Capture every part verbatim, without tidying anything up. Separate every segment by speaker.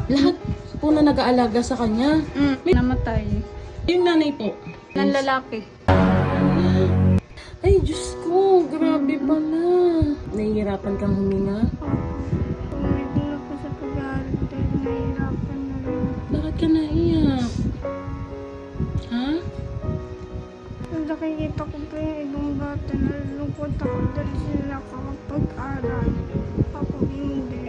Speaker 1: Lahat po na nag-aalaga sa kanya.
Speaker 2: Mm, may namatay.
Speaker 1: Yung nanay po.
Speaker 2: Ng lalaki.
Speaker 1: Ay, Diyos ko. Grabe pala. Nahihirapan kang huminga?
Speaker 2: Tumigil na po sa pag-aaral dahil nahihirapan na rin.
Speaker 1: Bakit ka naiyak? Ha?
Speaker 2: Nung nakikita ko pa yung ibang bata, nalulungkot ako dahil sila nakakapag-aral. Ako hindi.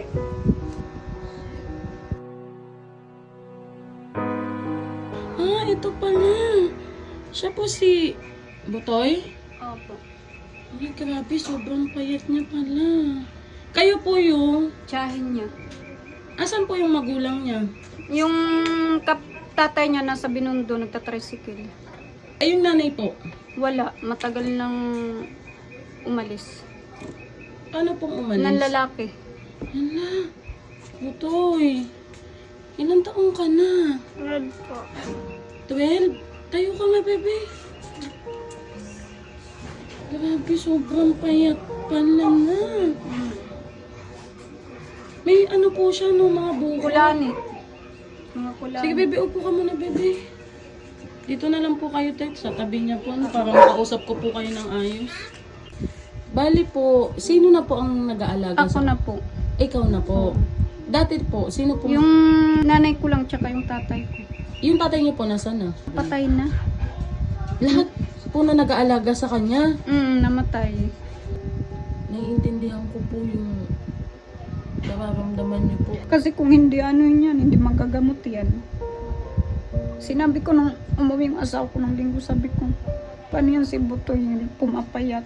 Speaker 1: Ah, ito pala. Siya po si Butoy?
Speaker 2: Opo.
Speaker 1: Ay, grabe. Sobrang payat niya pala. Kayo po yung...
Speaker 2: Tsahin niya.
Speaker 1: Asan po yung magulang niya?
Speaker 2: Yung kap tatay niya nasa Binondo, nagtatricycle.
Speaker 1: Ay, yung nanay po.
Speaker 2: Wala. Matagal nang umalis.
Speaker 1: Paano pong umalis?
Speaker 2: Ng lalaki.
Speaker 1: Hala. Butoy. Ilang taong ka na?
Speaker 2: Red po.
Speaker 1: twelve? Tayo ka nga, bebe. Grabe, sobrang payat pala na. May ano po siya, no, mga buko.
Speaker 2: Kulani. Mga kulani.
Speaker 1: Sige, bebe, upo ka muna, bebe. Dito na lang po kayo, Tet, sa tabi niya po, no, para makausap ko po kayo ng ayos. Bali po, sino na po ang nag-aalaga?
Speaker 2: Ako na po.
Speaker 1: Ikaw na po. Dati po, sino po?
Speaker 2: Yung nanay ko lang tsaka yung tatay ko.
Speaker 1: Yung tatay niyo po, nasaan na?
Speaker 2: Patay na.
Speaker 1: Lahat po na nag-aalaga sa kanya.
Speaker 2: Mm, namatay.
Speaker 1: Naiintindihan ko po yung nararamdaman niyo po.
Speaker 2: Kasi kung hindi ano yan, hindi magagamot yan. Sinabi ko nung umuwi yung asawa ko ng linggo, sabi ko, paano yan si Butoy, pumapayat.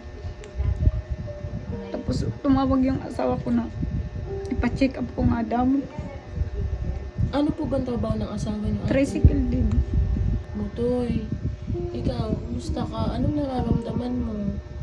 Speaker 2: Tapos tumawag yung asawa ko na ipa-check up ko nga daw.
Speaker 1: Ano po ba ang trabaho ng asawa niyo?
Speaker 2: Tricycle din.
Speaker 1: Butoy, ikaw, kumusta ka? Anong nararamdaman mo?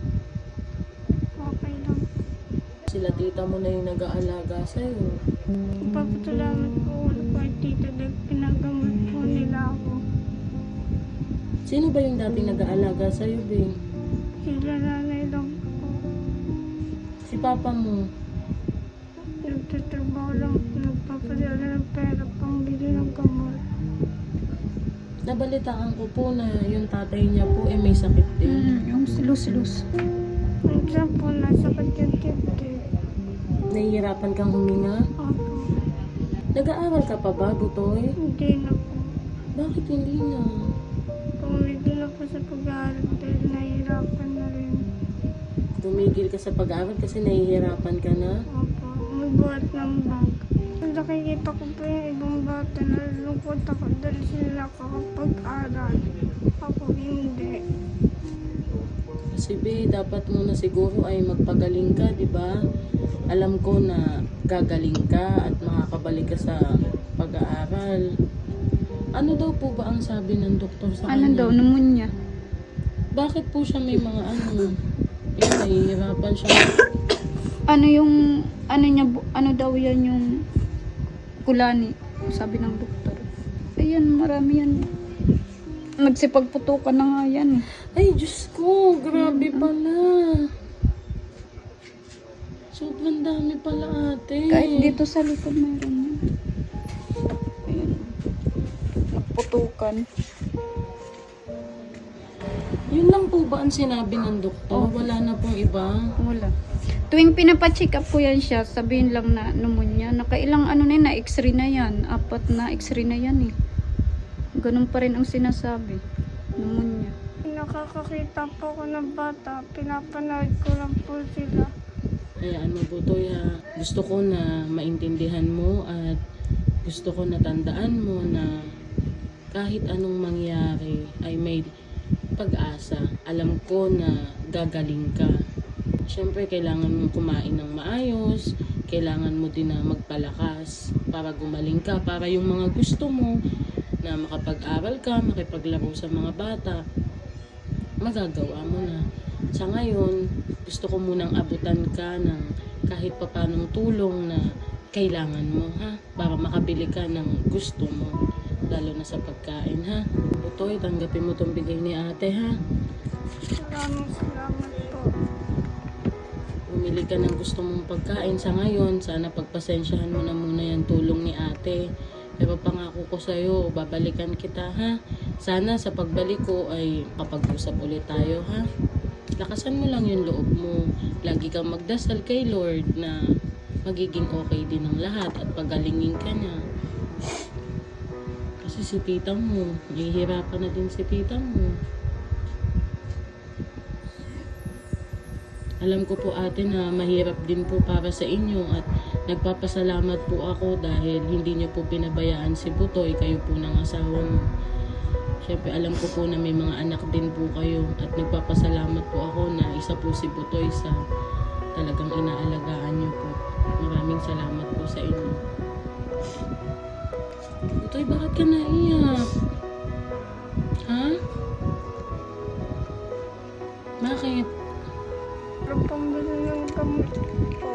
Speaker 2: Okay lang.
Speaker 1: Sila tita mo na yung nag-aalaga sa'yo.
Speaker 2: Papatulaman po ulit kay tita dahil pinagamot po nila ako.
Speaker 1: Sino ba yung dating nag-aalaga sa'yo, Bing?
Speaker 2: Sila nanay lang po.
Speaker 1: Si papa mo.
Speaker 2: Nagtatrabaho lang, nagpapadala ng pera pang bili ng gamot.
Speaker 1: Nabalitaan ko po na yung tatay niya po eh may sakit din.
Speaker 2: Mm, yung silus-silus. Minsan po nasa kanyang-kipti.
Speaker 1: Nahihirapan kang huminga?
Speaker 2: Opo.
Speaker 1: Nag-aaral ka pa ba, Butoy?
Speaker 2: Hindi na po.
Speaker 1: Bakit hindi na?
Speaker 2: Tumigil na po sa pag-aaral dahil nahihirapan na rin.
Speaker 1: Tumigil ka sa pag-aaral kasi nahihirapan ka na?
Speaker 2: Opo. Magbuhat ng bag. Nung nakikita ko po yung ibang bata, nalulungkot ako dahil sila nakakapag-aral. Ako hindi.
Speaker 1: Kasi be, dapat muna siguro ay magpagaling ka, di ba? Alam ko na gagaling ka at makakabalik ka sa pag-aaral. Ano daw po ba ang sabi ng doktor sa
Speaker 2: Ano
Speaker 1: kanya?
Speaker 2: daw, pneumonia.
Speaker 1: Bakit po siya may mga ano? Eh, nahihirapan siya.
Speaker 2: Ano yung, ano niya, bu- ano daw yan yung kulani, sabi ng doktor. Ayan, marami yan. Nagsipagputukan na nga yan.
Speaker 1: Ay, Diyos ko, grabe pala. Sobrang dami pala, ate.
Speaker 2: Kahit dito sa likod mayroon yan. Ayan. Nagputukan.
Speaker 1: Yun lang po ba ang sinabi ng doktor?
Speaker 2: Oh.
Speaker 1: Wala na pong iba?
Speaker 2: Wala. Tuwing pinapacheck up po yan siya, sabihin lang na pneumonia. Nakailang ano na yun, na x-ray na yan. Apat na x-ray na yan eh. Ganun pa rin ang sinasabi. Pneumonia. Nakakakita po ko ng bata, pinapanood ko lang po sila.
Speaker 1: Kaya ano, Butoy, ha? Gusto ko na maintindihan mo at gusto ko na tandaan mo na kahit anong mangyari ay may pag-asa. Alam ko na gagaling ka. Siyempre, kailangan mong kumain ng maayos. Kailangan mo din na magpalakas para gumaling ka. Para yung mga gusto mo na makapag-aral ka, makipaglaro sa mga bata, magagawa mo na. Sa ngayon, gusto ko munang abutan ka ng kahit papanong tulong na kailangan mo, ha? Para makabili ka ng gusto mo. Lalo na sa pagkain, ha? Butoy, tanggapin mo itong bigay ni ate, ha?
Speaker 2: Maraming salamat po.
Speaker 1: Bumili ka ng gusto mong pagkain sa ngayon. Sana pagpasensyahan mo na muna yung tulong ni ate. Pero pangako ko sa'yo, babalikan kita ha. Sana sa pagbalik ko ay kapag-usap ulit tayo ha. Lakasan mo lang yung loob mo. Lagi kang magdasal kay Lord na magiging okay din ang lahat at pagalingin ka niya. Kasi si tita mo, nahihirapan na din si tita mo. Alam ko po ate na mahirap din po para sa inyo at nagpapasalamat po ako dahil hindi niyo po pinabayaan si Butoy, kayo po ng asawa mo. Siyempre alam ko po na may mga anak din po kayo at nagpapasalamat po ako na isa po si Butoy sa talagang inaalagaan niyo po. Maraming salamat po sa inyo. Butoy, bakit ka naiyak? Ha? Bakit?
Speaker 3: Ang pambili ng gamot po.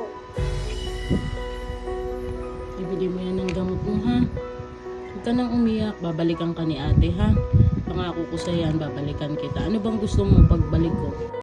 Speaker 1: Ibili mo yan ng gamot mo, ha? Huwag ka nang umiyak. Babalikan ka ni ate, ha? Pangako ko sa yan, babalikan kita. Ano bang gusto mo pagbalik ko?